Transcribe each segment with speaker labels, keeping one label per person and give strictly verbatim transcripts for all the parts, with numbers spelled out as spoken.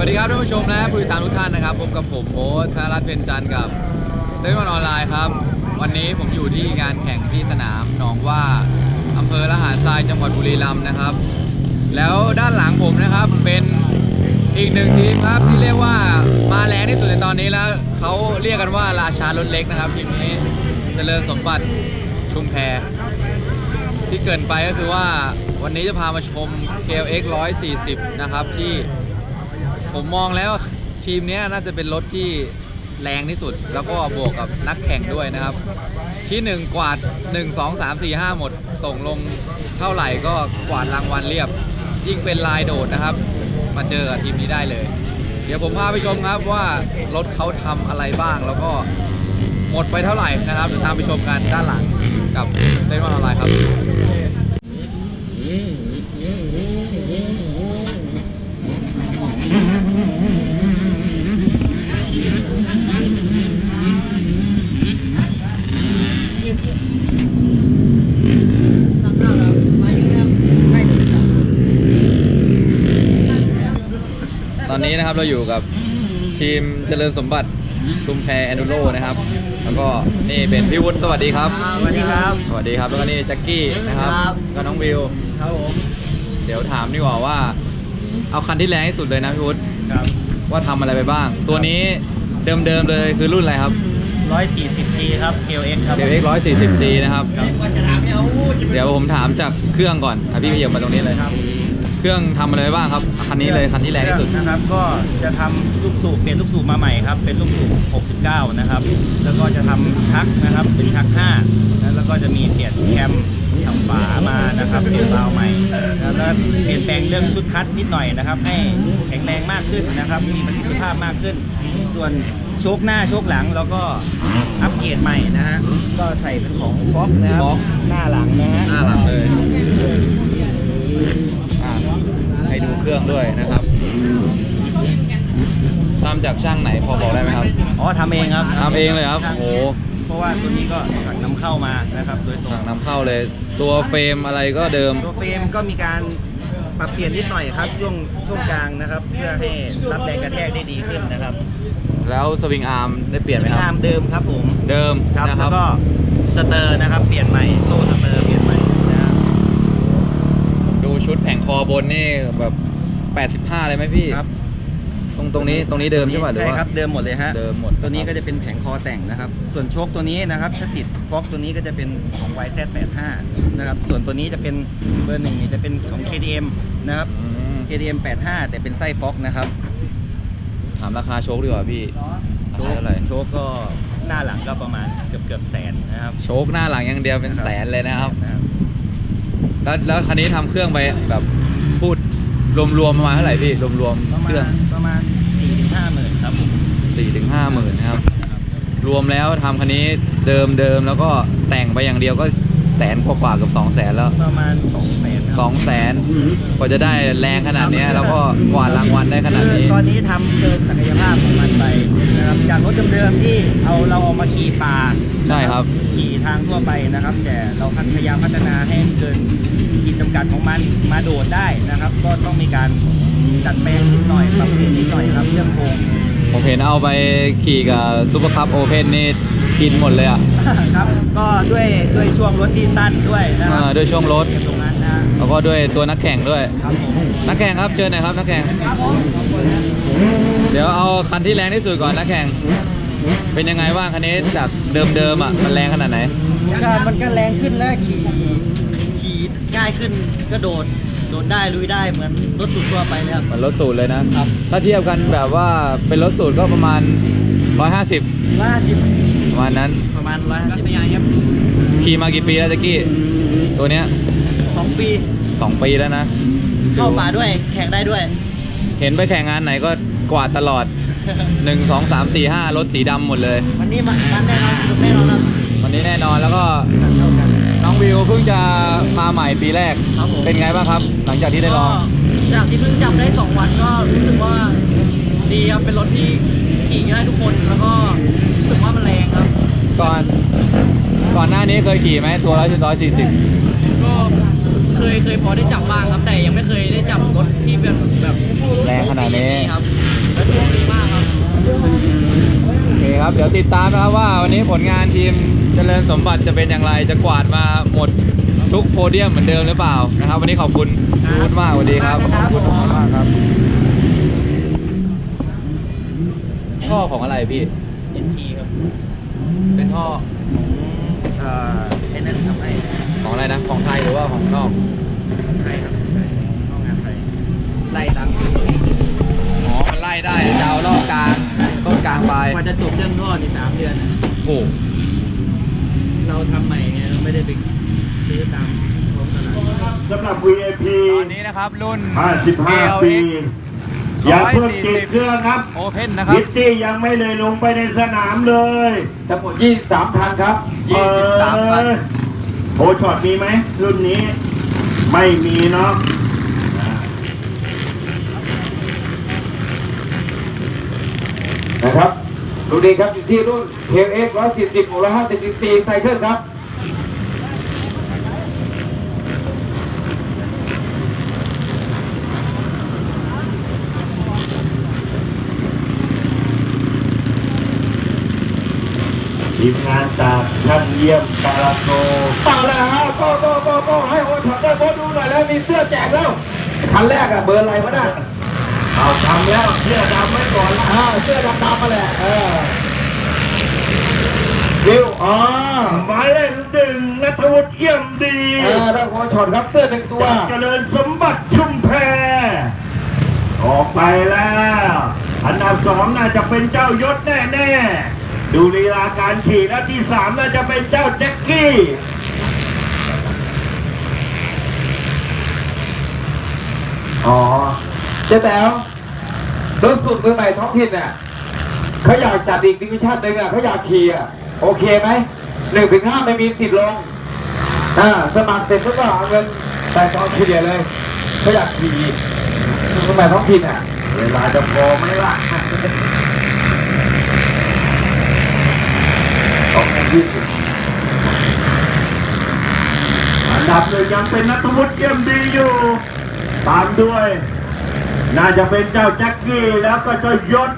Speaker 1: วัสดีครับท่านผู้ชมและผู้ติดตามทุกท่านนะครับพบกับผมโบ๊ทธนรัตน์เพ็ญจันทร์กับเซเว่นออนไลน์ครับวันนี้ผมอยู่ที่งานแข่งที่สนามหนองว่าอำเภอละหารทรายจังหวัดบุรีรัมย์นะครับแล้วด้านหลังผมนะครับเป็นอีกหนึ่งทีมครับที่เรียกว่ามาแรงที่สุดในตอนนี้แล้วเขาเรียกกันว่าราชารถเล็กนะครับทีมนี้เจริญสมบัติชุมแพที่เกินไปก็คือว่าวันนี้จะพามาชม เค แอล เอ็กซ์ หนึ่งร้อยสี่สิบนะครับที่ผมมองแล้วทีมนี้น่าจะเป็นรถที่แรงที่สุดแล้วก็บวกกับนักแข่งด้วยนะครับที่หนึ่งกวาดหนึ่ง สอง สาม สี่ ห้าหมดส่งลงเท่าไหร่ก็กวาดรางวัลเรียบยิ่งเป็นลายโดดนะครับมาเจอกับทีมนี้ได้เลยเดี๋ยวผมพาไปชมครับว่ารถเขาทำอะไรบ้างแล้วก็หมดไปเท่าไหร่นะครับเดี๋ยวตามไปชมกันด้านหลังกับเซเว่นออนไลน์ครับตอนนี้นะครับเราอยู่กับทีมเจริญสมบัติชุมแพแอนดูโรนะครับแล้วก็นี่เป็นพี่วุฒิสวัสดีครับ
Speaker 2: สวัสดีครับ
Speaker 1: สวัสดีครับแล้วก็นี่แจ็คกี้นะครับก็น้องวิว
Speaker 2: ครับผม
Speaker 1: เดี๋ยวถามดีกว่าว่าเอาคันที่แรงที่สุดเลยนะพี่วุฒิ
Speaker 2: ครับ
Speaker 1: ว่าทำอะไรไปบ้างตัวนี้เดิมๆเลยคือรุ่นอะไรครับ
Speaker 2: หนึ่งร้อยสี่สิบ จี ครับ เค แอล เอ็กซ์ ครับ
Speaker 1: เค แอล เอ็กซ์ หนึ่งร้อยสี่สิบ จี นะครับเดี๋ยวผมถามจากเครื่องก่อนพี่ขยับมาตรงนี้เลยครับเครื่องทำอะไรบ้างครับคันนี้เลยคันที่แรงที่สุด
Speaker 2: นะครับก็จะทำลูกสูบเปลี่ยนลูกสูบมาใหม่ครับเป็นลูกสูบหกสิบเก้านะครับแล้วก็จะทำชักนะครับเป็นชักห้าแล้วก็จะมีเปลี่ยนแคมทำฝามานะครับเปลี่ยนวาล์วใหม่แล้วเปลี่ยนแปลงเรื่องชุดคัทนิดหน่อยนะครับให้แข็งแรงมากขึ้นนะครับมีประสิทธิภาพมากขึ้นส่วนโชคหน้าโชคหลังแล้วก็อัปเกรดใหม่นะฮะก็ใส่เป็นของฟ็อกนะครับหน้าหลังนะฮะ
Speaker 1: หน้าหลังเลยให้ดูเครื่องด้วยนะครับทำจากช่างไหนพอบอกได้ไหมครับ
Speaker 2: อ๋อทำเองครับ
Speaker 1: ทำเองเลยครับโอ้
Speaker 2: เพราะว่าตัวนี้ก็สั่งนำเข้ามานะครับโดยตรง
Speaker 1: สั่งนำเข้าเลยตัวเฟรมอะไรก็เดิม
Speaker 2: ตัวเฟรมก็มีการปรับเปลี่ยนนิดหน่อยครับช่วงช่วงกลางนะครับเพื่อให้รับแรงกระแทกได้ดีขึ้นนะครับ
Speaker 1: แล้วสวิงอาร์มได้เปลี่ยนไหมครับ
Speaker 2: อาร์มเดิมครับผม
Speaker 1: เดิม
Speaker 2: ครับแล้วก็สเตอร์นะครับเปลี่ยนใหม่โซ่สเตอร์เปลี่ยนใหม่นะครับ
Speaker 1: ดูชุดแผงคอบนนี่แบบแปดสิบห้าเลยไหมพี่ครับตรงตรงนี้ตรงนี้เดิมใช่ไหม
Speaker 2: ใช่ครับเดิมหมดเลยฮะ
Speaker 1: เดิมหมด
Speaker 2: ตัวนี้ก็จะเป็นแผงคอแต่งนะครับส่วนโชคตัวนี้นะครับถ้าติดฟ็อกตัวนี้ก็จะเป็นของ วาย แซด แปดสิบห้า นะครับส่วนตัวนี้จะเป็นเบอร์หนึ่งนี่จะเป็นของ เค ดี เอ็ม นะครับ เค ดี เอ็ม แปดสิบห้า แต่เป็นไส้ฟ็อกนะครับ
Speaker 1: ถามราคาโชคดีกว่าพี่
Speaker 2: โชคเท่าไหร่โชคก็หน้าหลังก็ประมาณเกือบเกือบแสนนะครับ
Speaker 1: โชคหน้าหลังอย่างเดียวเป็นแสนเลยนะครับแล้วแล้วคันนี้ทำเครื่องไปแบบพูดรวมๆประมาณเท่าไหร่พี่รวมๆเครื่อง
Speaker 2: ประมาณ สี่ถึงห้าหมื่น ครับ
Speaker 1: สี่ถึงห้าหมื่นนะครับรวมแล้วทำคันนี้เดิมเดิมแล้วก็แต่งไปอย่างเดียวก็แสนกว่าๆกับสองแสนแล้ว
Speaker 2: ประมาณสองแสน
Speaker 1: สองแสนกว่าจะได้แรงขนาดนี้แล้วก็กวาดรางวัลได้ขนาดนี้
Speaker 2: ตอนนี้ทำเกินศักยภาพของมันไปนะครับจากรถเดิมๆที่เอาเราเอามาขี่ป่า
Speaker 1: ใช่ครับ
Speaker 2: ขี่ทางทั่วไปนะครับแต่เราพยายามพัฒนาให้เกินขีดจำกัดของมันมาโดดได้นะครับก็ต้องมีการจัดแปลงนิดหน่อยปรับเปลี่ยนนิดหน่อยครับเรื่องโครง
Speaker 1: ผมเห็นเอาไปขี่กับซูเปอร์คัพโอเพนนี่กินหมดเลยอ่ะ
Speaker 2: ครับก็ด้วยด้วยช่วงรถที่สั้นด้วยนะครับ
Speaker 1: ด้วยช่วงรถ
Speaker 2: ตรงนั้นนะ
Speaker 1: แล้วก็ด้วยตัวนักแข่งด้วยนักแข่งครับเชิญหน่อยครับนักแข่งเดี๋ยวเอาคันที่แรงที่สุดก่อนนักแข่งเป็นยังไงบ้างคันนี้จากเดิมๆอ่ะมันแรงขนาดไหน
Speaker 2: ก็มันก็แรงขึ้นแล้วขี่ขี่ง่ายขึ้นก็โดดโดดได้ลุยได้เหมือนรถสูตรทั่วไปเลยครับ
Speaker 1: เหมือนรถสูตรเลยนะครับถ้าเทียบกันแบบว่าเป็นรถสูตรก็ประมาณหนึ่งร้อยห้าสิบ
Speaker 2: หนึ่งร้อยห้าสิบ
Speaker 1: ประมาณนั้น
Speaker 2: ประมาณหนึ่งร้อยห้าสิบครับ
Speaker 1: ขี่มากี่ปีแล้วแจ็คกี้ตัวเนี้ย
Speaker 2: สองปี
Speaker 1: สองปีแล้วนะ
Speaker 2: เข้าป่าด้วยแข่งได้ด้วย
Speaker 1: เห็นไปแข่งงานไหนก็กวาดตลอดหนึ่ง สอง สาม สี่ ห้ารถสีดำหมดเลย
Speaker 2: วันนี้มันแน่นอนแน่นอนครับ
Speaker 1: วันนี้แน่นอนแล้วก็น้องวิวเพิ่งจะมาใหม่ปีแรกเป็นไงบ้างครับหลังจากที่ได้ลอง
Speaker 3: จากที่เพิ่งจับได้สองวันก็รู้สึกว่าดีครับเป็นรถที่ขี่ได้ทุกคนแล้วก็รู้สึกว่ามันแรงครับ
Speaker 1: ก่อนก่อนหน้านี้เคยขี่ไหมตัวร้อยร้อยสี่สิบ
Speaker 3: ก็เคยเคยพอได้จับบ้างครับแต่ยังไม่เคยได้จับรถที่เป็นแบบ
Speaker 1: แรงขนาดนาดนี้
Speaker 3: ครับและช่วงดีมากครับ
Speaker 1: โอเคครับ เดี๋ยวติดตามนะครับว่าวันนี้ผลงานทีมเจริญสมบัติจะเป็นอย่างไร จะกวาดมาหมดทุกโพเดียมเหมือนเดิมหรือเปล่านะครับ วันนี้ขอบคุณพูดมากสวัสดีครับ ขอบคุณมากครับท่อของอะไรพี่
Speaker 2: เอ็นทีครับ
Speaker 1: เป็นท่อ
Speaker 2: เอ่อไอ้นั่นทำให้
Speaker 1: ของอะไรนะ ของไทยหรือว่าของนอก
Speaker 2: ไทยครับห้องงานไทยไล่ตาม
Speaker 1: อ๋อ มันไล่ได้จะเอารอบกลางต้นกลางไป
Speaker 2: กว่าจะจบเรื่องท่อนี่สามเดือนนะ
Speaker 1: โอ้
Speaker 2: เราทำใหม่ไงเราไม่ได้ไปซื้อตามท้องตลาด
Speaker 4: สำหรับ วี ไอ พี
Speaker 1: ตอนนี้นะครับรุ่น
Speaker 4: ห้าสิบห้า ปี อย่าเพิ่งติดเครื่องครับ
Speaker 1: โอเพนนะครับ
Speaker 4: พิตตี้ยังไม่เลยลงไปในสนามเลย
Speaker 1: ทั้งหมดยี่สิบสามพันครับยี่สิบสามพัน
Speaker 4: เออโอช็อตมีไหมรุ่นนี้ ไม่มีเนาะนะครับดูดีครับอยู่ที่รุ่น เค เอ็กซ์ หนึ่งร้อยสี่สิบ หกร้อยห้าสิบ ซี ซี ไซเคิลครับ ทีมงานจากท่านเยี่ยมกาลาโกมาแล้วฮะก็ก็ก็ก็ให้โอช็อตได้โบดูหน่อยแล้วมีเสื้อแจกแล้วคันแรกอะเบอร์อะไรวะน่ะเอาทำแล้วเสื้อดำไว้ก่อนละอ่าเสื้อดำดำมาแหละเออวิวอ๋อหมายเลขหนึ่งนัทวุฒิเอี่ยมดีเออได้โอช็อตครับเสื้อหนึ่งตัวเจริญสมบัติชุมแพออกไปแล้วอันดับสองน่าจะเป็นเจ้ายศแน่ๆดูลีลาการขี่แล้วที่สามน่าจะเป็นเจ้าแจ็คกี้อ๋อเจ๊แต๋วรถสุดมือใหม่ท้องถิ่นเนี่ยเขาอยากจัดอีกดิวิชั่นหนึ่งอ่ะเขาอยากขี่อ่ะโอเคไหมหนึ่งถึงห้าไม่มีสิทธิ์ลงอ่าสมัครเสร็จก็เอาเงินแต่ตอนเฉลี่ยเลยเขาอยากขี่มือใหม่ท้องถิ่นอ่ะเวลาจะพอไหมล่ะสองพันยี่สิบอันดับหนึ่งยังเป็นนัทวุฒิเยี่ยมดีอยู่ตามด้วย น่าจะเป็นเจ้าแจ็คกี้แล้วก็เจ้ายศ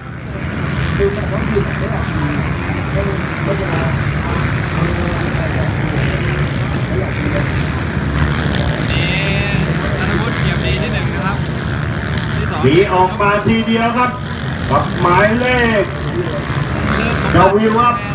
Speaker 1: นี่ธนวุฒิเกียรติดีที่หนึ่งนะครับที่สอง
Speaker 4: หนีออกมาทีเดียวครับ กับหมายเลขเจ้าวิวัฒน์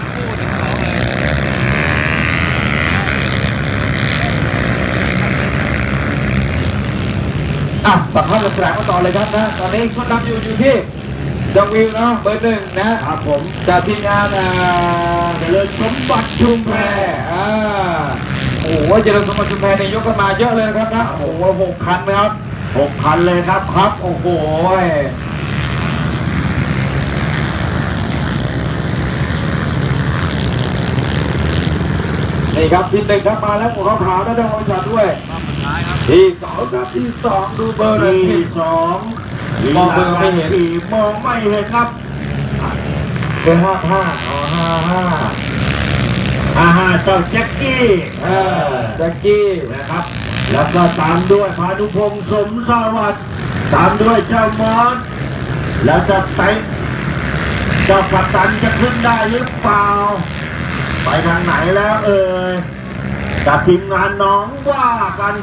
Speaker 4: อ่ะสัมภาษณ์แสดงมาต่อเลยครับนะตอนนี้คนนำอยู่อยู่ที่จังวิวเนาะเบอร์หนึ่งนะครับผมจากทีมงานอ่าเจริญสมบัติชุมแพอ่าโอ้โหเจริญสมบัติชุมแพในยยกกันมาเยอะเลยครับนะโอ้โหหกคันนะครับหกคันเลยครับครับโอ้โหนี่ครับที่หนึ่งครับมาแล้วหมวกขาวๆได้ดาวจัดด้วย
Speaker 1: รอบสุดท้ายครับ
Speaker 4: ที่สองครับที่สองดูเบอร์เลยที่สองมองเบอร์ไม่เห็นมองไม่เห็นครับเบอร์ห้าห้าอ๋อห้าห้าห้าห้าเจ้าแจ็คกี้เออแจ็คกี้นะครับ แล้วก็ตามด้วยพานุพงษ์สมสวัสดิ์ตามด้วยเจ้ามอสแล้วจะไปเจ้าปัตตันจะขึ้นได้หรือเปล่าไปทางไหนแล้วเอ่ยกับทีมงานน้องว่ากัน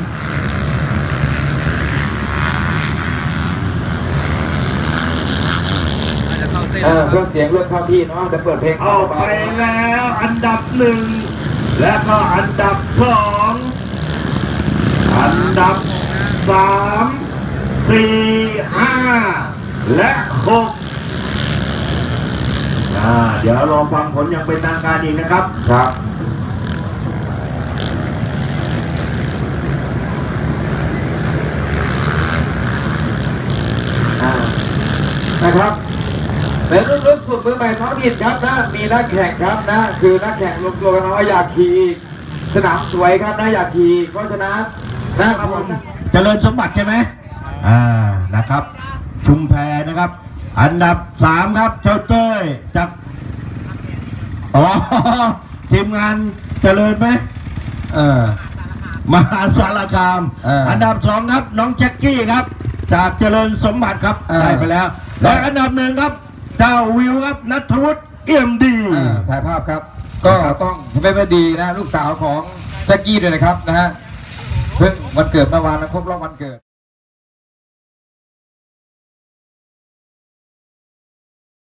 Speaker 4: เออเครื่องเสียงเรื่องเข้าที่เนาะจะเปิดเพลงออกไปแล้วอันดับหนึ่งและก็อันดับสองอันดับสามสี่ห้าและหกอ่าเดี๋ยวรอฟังผลอย่างเป็นทางการอีกนะครับครับนะครับเป็นรุ่นรุ่นสุดมือใหม่ท้องถิ่นครับนะมีนักแข่งครับนะคือนักแข่งรวมตัวกันมาว่าอยากขี่สนามสวยครับนะอยากขี่เพราะฉะนั้นนะครับเจริญสมบัติใช่ไหมอ่านะครับ ชุมแพนะครับ อันดับสามครับเจ้าเต้ยจากอ๋อทีมงานเจริญไหมเออมหาสารคามอันดับสองครับน้องแจ็คกี้ครับจากเจริญสมบัติครับ
Speaker 5: อ่า
Speaker 4: ได้ไปแล้ว และอันดับหนึ่งครับ เจ้าวิวครับนัทวุฒิเอี่ยมดี
Speaker 5: อ่าถ่ายภาพครับ ก็ต้องไม่ไม่ดีนะลูกสาวของแจ็คกี้ด้วยนะครับนะฮะเพิ่งวันเกิดเมื่อวานนะครบรอบวันเกิด